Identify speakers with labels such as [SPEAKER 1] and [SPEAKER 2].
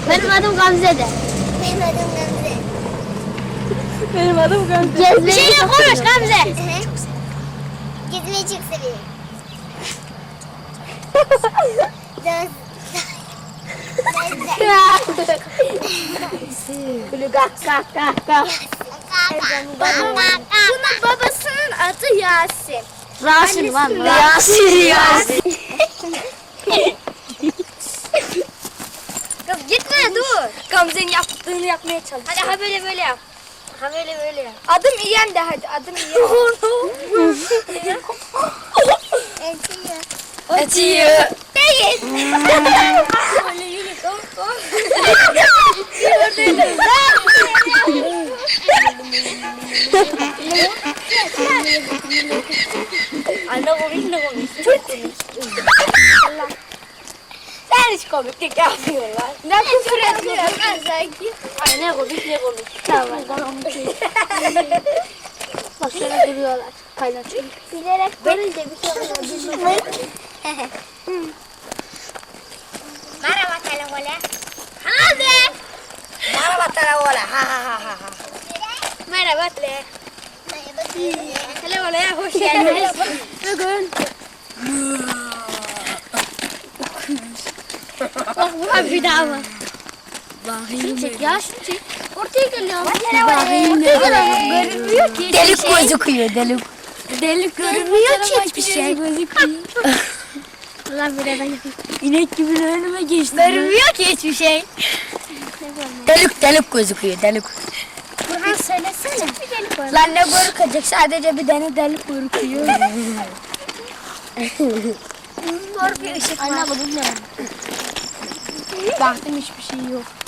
[SPEAKER 1] Benim adım Gamze de.
[SPEAKER 2] Benim adım Gamze.
[SPEAKER 3] Benim adım Gamze.
[SPEAKER 1] Bir
[SPEAKER 2] Gezmeyi
[SPEAKER 1] şeyle
[SPEAKER 2] çok
[SPEAKER 1] konuş
[SPEAKER 2] seviyorum.
[SPEAKER 1] Gamze.
[SPEAKER 2] Gezmeyi çok seviyorum. Dans.
[SPEAKER 3] Böyle kah kah kah kah.
[SPEAKER 2] Bunun babasının adı Yasin.
[SPEAKER 1] Rasim lan.
[SPEAKER 3] Yasin.
[SPEAKER 2] Kız gitme dur.
[SPEAKER 3] Gamze'nin yaptığını yapmaya çalış.
[SPEAKER 2] Hadi ha böyle yap. Ha böyle yap.
[SPEAKER 3] Adım İyem de hadi adım İyem. Etiyor.
[SPEAKER 2] Değil.
[SPEAKER 3] Anne komik ne komik. Çok komik. Sen hiç komiklik yapmıyorlar. Ne küfür ediyorsun ben sanki.
[SPEAKER 1] Ay ne komik ne komik. Tamam. Bak şöyle duruyorlar. Paylaşıyor.
[SPEAKER 2] Bilerek görünce bir şey oluyor. Merhaba telefone. Hadi.
[SPEAKER 3] Merhaba telefona. Ha ha ha ha.
[SPEAKER 2] Merhaba tele. Telefona hoş geldiniz.
[SPEAKER 1] Bugün. Bak bu bir daha var. Şunu çek ya şunu çek. Ortaya geliyor. Görünmüyor ki.
[SPEAKER 3] Delik gözüküyor delik.
[SPEAKER 1] Delik görünmüyor ki hiçbir şey. Allah bir yerden yapayım.
[SPEAKER 3] İnek gibi önüme geçti.
[SPEAKER 1] Görünmüyor ki hiçbir şey.
[SPEAKER 3] Delik gözüküyor delik.
[SPEAKER 1] Burhan söylesene. Bir delik var.
[SPEAKER 3] Lan ne görükecek sadece bir tane delik görüküyor.
[SPEAKER 1] Mor bir ışık var. Anne bu ne?
[SPEAKER 3] Baktım hiçbir şey yok.